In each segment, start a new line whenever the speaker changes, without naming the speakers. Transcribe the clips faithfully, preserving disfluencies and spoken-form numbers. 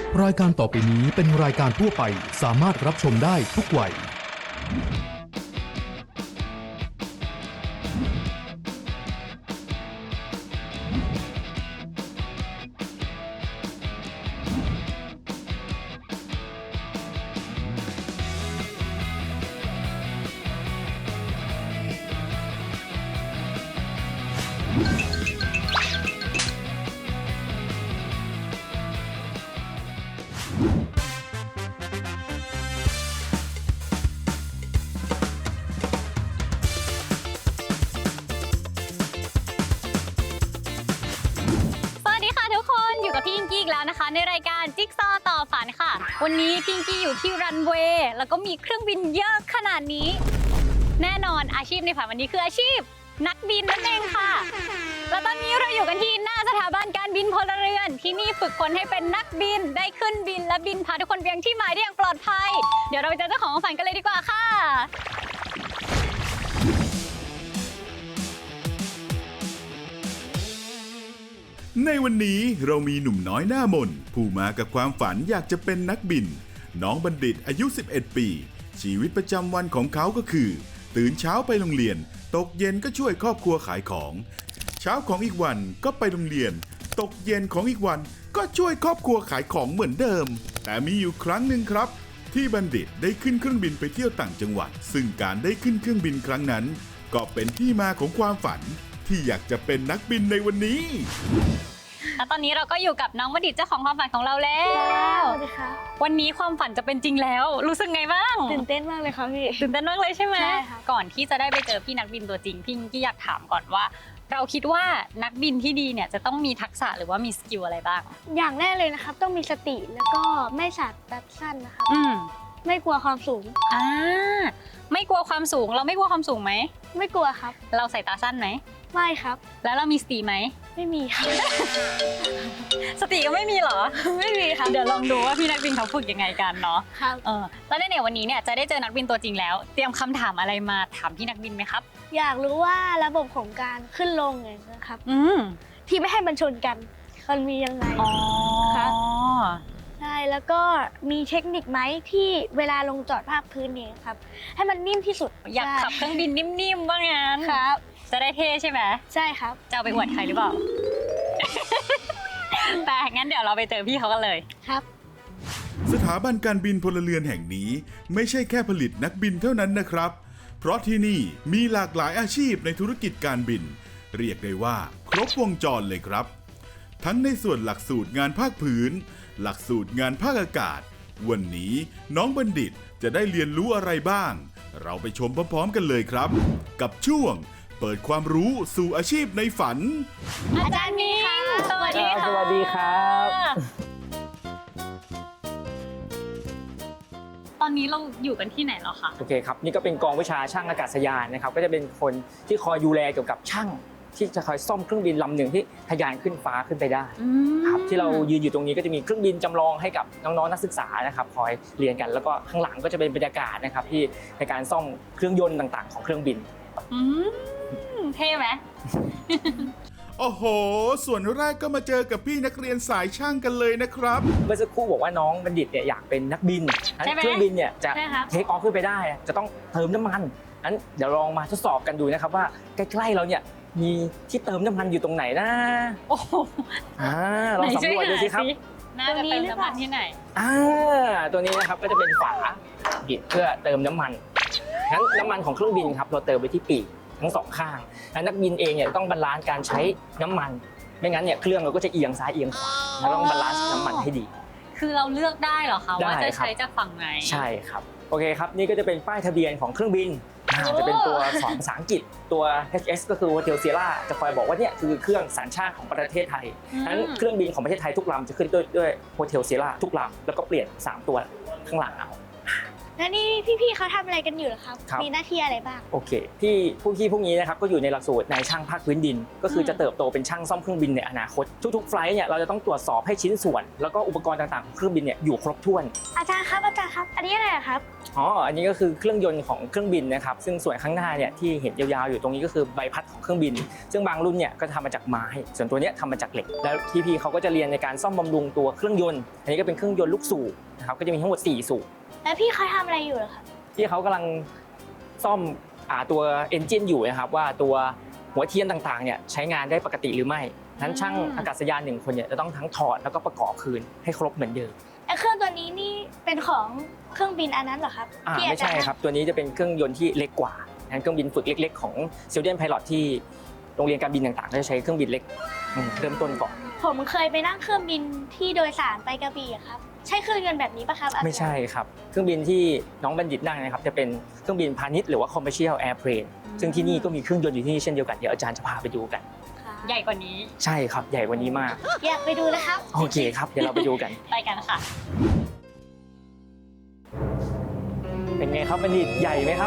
รายการต่อไปนี้เป็นรายการทั่วไปสามารถรับชมได้ทุกวัย
พี่พิงกี้อีกแล้วนะคะในรายการจิ๊กซอว์ต่อฝันค่ะวันนี้พิงกี้อยู่ที่รันเวย์แล้วก็มีเครื่องบินเยอะขนาดนี้แน่นอนอาชีพในฝันวันนี้คืออาชีพนักบินนั่นเองค่ะแล้วตอนนี้เราอยู่กันที่หน้าสถาบันการบินพลเรือนที่นี่ฝึกคนให้เป็นนักบินได้ขึ้นบินและบินพาทุกคนไปยังที่หมายได้อย่างปลอดภัยเดี๋ยวเราไปเจอเจ้าของฝันกันเลยดีกว่าค่ะ
ในวันนี้เรามีหนุ่มน้อยหน้ามนผู้มากับความฝันอยากจะเป็นนักบินน้องบัณฑิตอายุสิบเอ็ดปีชีวิตประจำวันของเขาก็คือตื่นเช้าไปโรงเรียนตกเย็นก็ช่วยครอบครัวขายของเช้าของอีกวันก็ไปโรงเรียนตกเย็นของอีกวันก็ช่วยครอบครัวขายของเหมือนเดิมแต่มีอยู่ครั้งหนึ่งครับที่บัณฑิตได้ขึ้นเครื่องบินไปเที่ยวต่างจังหวัดซึ่งการได้ขึ้นเครื่องบินครั้งนั้นก็เป็นที่มาของความฝันที่อยากจะเป็นนักบินในวันนี้
แล้วตอนนี้เราก็อยู่กับน้องบัณฑิตเจ้าของความฝันของเราแล้ว
สวัสดีค่ะ
วันนี้ความฝันจะเป็นจริงแล้วรู้สึกไงบ้าง
ตื่นเต้นมากเลยค่ะพี่
ตื่นเต้นมากเลยใช่ไหม
ใช่ค่ะ
ก่อนที่จะได้ไปเจอพี่นักบินตัวจริงพี่กี้อยากถามก่อนว่าเราคิดว่านักบินที่ดีเนี่ยจะต้องมีทักษะหรือว่ามีสกิลอะไรบ้าง
อย่างแรกเลยนะครับต้องมีสติแล้วก็ไม่สาดแป๊บสั้นนะครับ
อืม
ไม่กลัวความสูง
อ่าไม่กลัวความสูงเราไม่กลัวความสูงไหม
ไม่กลัวครับ
เราสายตาสั้นไหม
ไม่ครับ
แล้วเรามีสติไหม
ไม่มีครับ
สติก็ไม่มีเหรอ
ไม่มีครับ
เดี๋ยวลองดูว่าพี่นักบินเขาฝึกยังไงกันเนาะ
ครับ
เออแล้วในวันนี้เนี่ยจะได้เจอนักบินตัวจริงแล้วเตรียมคำถามอะไรมาถามพี่นักบินไหมครับ
อยากรู้ว่าระบบของการขึ้นลงไงนะครับ
อืม
ที่ไม่ให้มันชนกันมันมียังไง
อ๋อ
ครับใช่แล้วก็มีเทคนิคไหมที่เวลาลงจอดภาคพื้นนี่ครับให้มันนิ่มที่สุด
อยากขับเครื่องบินนิ่มๆว่างั้น
ครับ
จะได้เท่ใช่ไหม
ใช่ครับ
จะเอาไปอวดใครหรือเปล่า แต่งั้นเดี๋ยวเราไปเจอพี่เขากันเลย
ครับ
สถาบันการบินพลเรือนแห่งนี้ไม่ใช่แค่ผลิตนักบินเท่านั้นนะครับเพราะที่นี่มีหลากหลายอาชีพในธุรกิจการบินเรียกได้ว่าครบวงจรเลยครับทั้งในส่วนหลักสูตรงานภาคพื้นหลักสูตรงานภาคอากาศวันนี้น้องบัณฑิตจะได้เรียนรู้อะไรบ้างเราไปชมพร้อมๆกันเลยครับกับช่วงเปิดความรู้สู่อาชีพในฝัน
อาจารย์มิ้งสวัสดีค่ะ
สวัสดีครับ
ตอนนี้เราอยู่กันที่ไหนแล้วคะ
โอเคครับนี่ก็เป็นกองวิชาช่างอากาศยานนะครับก็จะเป็นคนที่คอยดูแลเกี่ยวกับช่างที่จะคอยซ่อมเครื่องบินลำหนึ่งที่ทะยานขึ้นฟ้าขึ้นไปได้ครับที่เรายืนอยู่ตรงนี้ก็จะมีเครื่องบินจำลองให้กับน้องๆนักศึกษานะครับคอยเรียนกันแล้วก็ข้างหลังก็จะเป็นบรรยากาศนะครับที่ในการซ่อมเครื่องยนต์ต่างๆของเครื่องบิน
อืมเท่ไหม
โอ้โหส่วนแรกก็มาเจอกับพี่นักเรียนสายช่างกันเลยนะครับ
เมื่อสักครู่บอกว่าน้องบัณฑิตเนี่ยอยากเป็นนักบินเครื่องบินเนี่ยจะเทคออฟขึ้นไปได้จะต้องเติมน้ำมันงั้นเดี๋ยวลองมาทดสอบกันดูนะครับว่าใกล้ๆเราเนี่ยมีที่เติมน้ำมันอยู่ตรงไหนนะ
โอ้โห
อ่าลองสำรวจดูสิครับ
น่าจะเติมน้ำมันที่ไหน
อ่าตัวนี้นะครับก็จะเป็นฝาปิดเพื่อเติมน้ำมันงั้นน้ำมันของเครื่องบินครับเราเติมไปที่ปีกทั้งสองข้างและนักบินเองเนี่ยต้องบาลานซ์การใช้น้ำมันไม่งั้นเนี่ยเครื่องเราก็จะเอียงซ้ายเอียงขวาเราต้องบาลานซ์น้ำมันให้ดี
คือเราเลือกได้เหรอคะว่าจะใช้จากฝั่งไหน
ใช่ครับโอเคครับนี่ก็จะเป็นป้ายทะเบียนของเครื่องบินจะเป็นตัวสอนภาษาอังกฤษตัว เอช เอส ก็คือ Hotel Sierra จะคอยบอกว่าเนี่ยคือเครื่องสัญชาติของประเทศไทยทั้นเครื่องบินของประเทศไทยทุกลำจะขึ้นด้วยด้วย Hotel Sierra ทุกลำแล้วก็เปลี่ยนสามตัวข้างหลังเอา
แล้วนี่พี่ๆเขาทำอะไรกันอยู่เหรอครับ
ครับ
มีหน้าที่อะไรบ้าง
โอเคที่ผู้พี่พวกนี้นะครับก็อยู่ในหลักสูตรนายช่างภาคพื้นดิน ก็คือจะเติบโตเป็นช่างซ่อมเครื่องบินในอนาคตทุกๆไฟลท์เนี่ยเราจะต้องตรวจสอบให้ชิ้นส่วน แล้วก็อุปกรณ์ต่างๆของเครื่องบินเนี่ยอยู่ครบถ้วน
อาจารย์ครับอาจารย์ครับ อันนี้อะไรอะครับ
อ๋ออันนี้ก็คือเครื่องยนต์ของเครื่องบินนะครับซึ่งส่วนข้างหน้าเนี่ยที่เห็นยาวๆอยู่ตรงนี้ก็คือใบพัดของเครื่องบิน ซึ่งบางรุ่นเนี่ยก็ทำมาจากไม้ส่วนตัวเนี้ยทำมาจากเหล็กแล้วพี่ๆเขาก็จะเรียนในการซ่อมบำรุงตัวเครื่องยนต์อันนี้ก็เป็นเครื่องยนต์ลูกสูบนะครับก็จะมีทั้งหมดสี่สูบ
แล้วพี่เขาทำอะไรอยู่เหรอครับ
ที่เขากำลังซ่อมอ่าตัวเอนจินอยู่นะครับว่าตัวหัวเทียนต่างๆเนี่ยใช้งานได้ปกติหรือไม่นั้นช่างอากาศยานหนึ่งคนเนี่ยจะต้องทั้งถอดแล้วก็ประกอบคืนให้ครบเหมือนเดิม
ไอ้เครื่องตัวนี้นี่เป็นของเครื่องบินอันนั้นเหรอครับ
อ่า
ที่
ไม่
อาจาร
ใช่
ย์
ครับตัวนี้จะเป็นเครื่องยนต์ที่เล็กกว่านั้นเครื่องบินฝึกเล็กๆของซิลเดียนไพลอตที่โรงเรียนการบินต่างๆก็จะใช้เครื่องบินเล็กอืมเริ่มต้นก่อน
ผมเคยไปนั่งเครื่องบินที่โดยสารไปกระบี่อะครับ ใช่เครื่องยนต์แบบนี้ปะครับอาจารย์
ไม่ใช่ครับเครื่องบินที่น้องบัณฑิตนั่งนะครับจะเป็นเครื่องบินพาณิชย์หรือว่า commercial airplane ซึ่งที่นี่ก็มีเครื่องยนต์อยู่ที่นี่เช่นเดียวกันเดี๋ยวอาจารย์จะพาไปดูกัน
ครับ
ใหญ่กว่านี้
ใช่ครับใหญ่กว่านี้มาก
อยากไปดูนะครับ
โอเคครับเดี๋ยวเราไปดูกัน
ไปกันค่ะ
เป็นไงครับบัณฑิตใหญ่ไหมครับ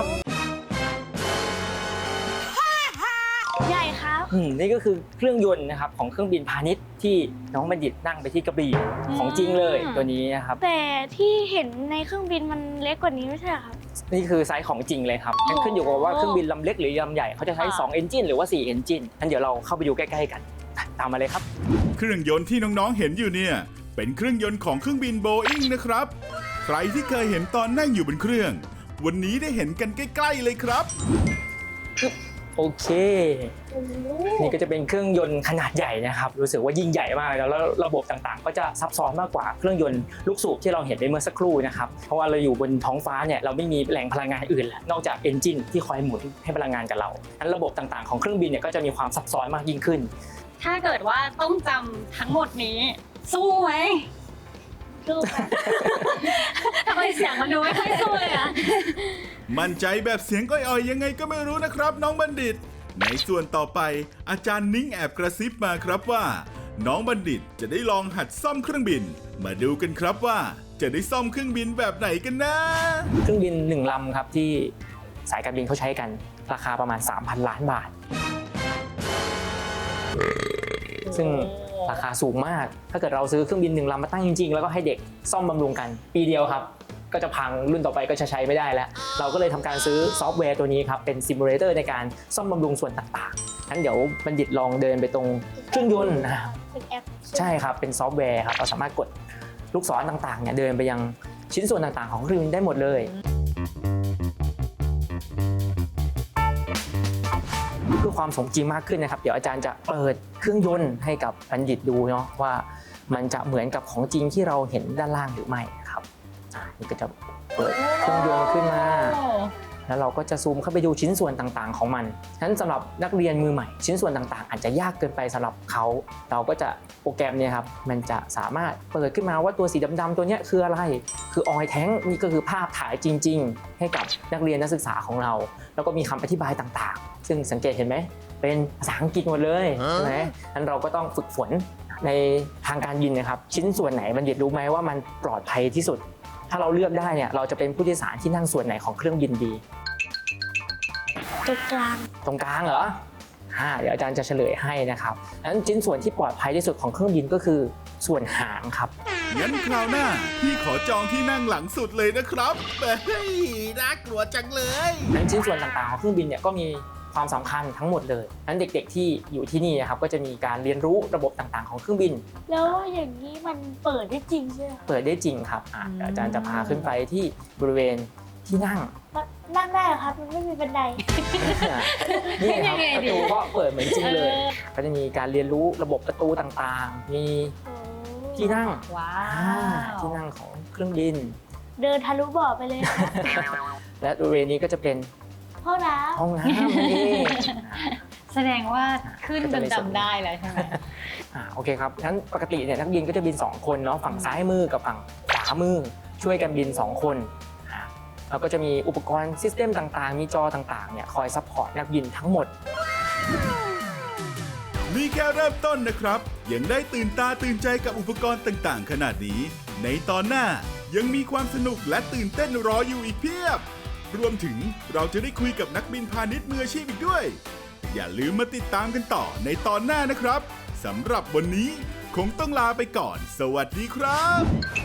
ใหญ่ครับ
อืมนี่ก็คือเครื่องยนต์นะครับของเครื่องบินพาณิชย์ที่น้องบัณฑิตนั่งไปที่กระบี่ของจริงเลยตัวนี้นะครับ
แต่ที่เห็นในเครื่องบินมันเล็กกว่านี้ไม่ใช่เหรอครับ
นี่คือไซส์ของจริงเลยครับงั้นขึ้นอยู่กับว่าเครื่องบินลำเล็กหรือลำใหญ่เขาจะใช้สองเอนจินหรือว่าสี่เอนจินงั้นเดี๋ยวเราเข้าไปดูใกล้ๆกันตามมาเลยครับ
เครื่องยนต์ที่น้องๆเห็นอยู่เนี่ยเป็นเครื่องยนต์ของเครื่องบินโบอิงนะครับ ใครที่เคยเห็นตอนนั่งอยู่บนเครื่อง วันนี้ได้เห็นกันใกล้ๆเลยครับ
โอเค นี่ก็จะเป็นเครื่องยนต์ขนาดใหญ่นะครับรู้สึกว่ายิ่งใหญ่มากแล้วแล้วระบบต่างๆ ก็จะซับซ้อนมากกว่าเครื่องยนต์ลูกสูบที่เราเห็นไปเมื่อสักครู่นะครับเพราะว่าเราอยู่บนท้องฟ้าเนี่ยเราไม่มีแหล่งพลังงานอื่นแล้วนอกจากเอนจินที่คอยหมุนให้พลังงานกับเรางั้นระบบต่างๆของเครื่องบินเนี่ยก็จะมีความซับซ้อนมากยิ่งขึ้น
ถ้าเกิดว่าต้องจำทั้งหมดนี้ สู้ไหม
ดูแบบ
ทำไมเสียงมันดูไม่ค่อยสู้เลยอะ
มั่นใจแบบเสียงอ่อยๆยังไงก็ไม่รู้นะครับน้องบัณฑิต ในส่วนต่อไปอาจารย์นิ้งแอบกระซิบมาครับว่า น้องบัณฑิตจะได้ลองหัดซ่อมเครื่องบิน มาดูกันครับว่าจะได้ซ่อมเครื่องบินแบบไหนกันนะ
เครื่องบินหนึ่งลำครับที่สายการบินเขาใช้กันราคาประมาณ สามพัน ล้านบาท ซึ่งราคาสูงมาก ถ้าเกิดเราซื้อเครื่องบินหนึ่งลำมาตั้งจริงๆ แล้วก็ให้เด็กซ่อมบำรุงกัน ปีเดียวครับ ก็จะพังรุ่นต่อไปก็จะใช้ไม่ได้แล้ว เราก็เลยทำการซื้อซอฟต์แวร์ตัวนี้ครับ เป็นซิมูเลเตอร์ในการซ่อมบำรุงส่วนต่างๆงั้นเดี๋ยวบัณฑิตลองเดินไปตรงเครื่องยนต์นะครับ
เป็นแอป
ใช่ครับ เป็นซอฟต์แวร์ครับ เราสามารถกดลูกศรต่างๆเนี่ยเดินไปยังชิ้นส่วนต่างๆของเครื่องบินได้หมดเลย เพื่อความสมจริงมากขึ้นนะครับ เดี๋ยวอาจารย์จะเปิดเครื่องยนต์ให้กับบัณฑิตดูเนาะว่ามันจะเหมือนกับของจริงที่เราเห็นด้านล่างหรือไม่นะครับอ่านี่ก็จะเปิดเครื่องยนต์ขึ้นมา แล้วเราก็จะซูมเข้าไปดูชิ้นส่วนต่างๆของมันฉะนั้นสำหรับนักเรียนมือใหม่ชิ้นส่วนต่างๆ อาจจะยากเกินไปสำหรับเขาเราก็จะโปรแกรมเนี่ยครับมันจะสามารถเปิดขึ้นมาว่าตัวสีดำๆตัวเนี้ยคืออะไรคือออยแท้งนี่ก็คือภาพถ่ายจริงๆให้กับนักเรียนนักศึกษาของเราแล้วก็มีคำอธิบายต่างๆซึ่งสังเกตเห็นไหมเป็นภาษาอังกฤษหมดเลยใช่ไหมงั้นเราก็ต้องฝึกฝนในทางการบินนะครับชิ้นส่วนไหนบัณฑิตรู้ไหมว่ามันปลอดภัยที่สุดถ้าเราเลือกได้เนี่ยเราจะเป็นผู้โดยสารที่นั่งส่วนไหนของเครื่องบินดี
ตรงกลาง
ตรงกลางเหรออ่าเดี๋ยวอาจารย์จะเฉลยให้นะครับงั้นชิ้นส่วนที่ปลอดภัยที่สุดของเครื่องบินก็คือส่วนหางครับ
งั้นคราวหน้าพี่ขอจองที่นั่งหลังสุดเลยนะครับเฮ้ยน่ากลัวจังเลย
งั้นชิ้นส่วนต่างๆของเครื่องบินเนี่ยก็มีความสำคัญทั้งหมดเลยงั้นเด็กๆที่อยู่ที่นี่นะครับก็จะมีการเรียนรู้ระบบต่างๆของเครื่องบิน
แล้วอย่างนี้มันเปิดได้จริงใช่ไหม
เปิดได้จริงครับอ่าเดี๋ยวอาจารย์จะพาขึ้นไปที่บริเวณที่นั่ง
มันนั่งได้เหรอครับ มันไม่มีบันได
นี่ครับประตูก็เปิดเหมือนจริงเลย ก็จะมีการเรียนรู้ระบบประตูต่างๆ มีที่นั่ง
ว้า
อ่าว ที่นั่งของเครื่องบิน
เดินทะลุบ่อไปเลยครับ
และบริเวณนี้ก็จะเป็น
ห้องน้
ห้องน้ำนั่นเอง
แสดงว่าขึ้นจนจำได้แล้วใช่ไหม
อ่าโอเคครับงั้นปกติเนี่ยนักบินก็จะบินสองคนเนาะฝั่งซ้ายมือกับฝั่งขวามือช่วยกันบินสองคนอ่าแล้วก็จะมีอุปกรณ์ซิสเต็มต่างๆ มีจอต่างๆเนี่ยคอยซัพพอร์ตนักบินทั้งหมด
นี่แค่เริ่มต้นนะครับ ยังได้ตื่นตาตื่นใจกับอุปกรณ์ต่างๆ ขนาดนี้ ในตอนหน้ายังมีความสนุกและตื่นเต้นรออยู่อีกเพียบ รวมถึงเราจะได้คุยกับนักบินพาณิชย์มืออาชีพอีกด้วย อย่าลืมมาติดตามกันต่อในตอนหน้านะครับสำหรับวันนี้คงต้องลาไปก่อน สวัสดีครับ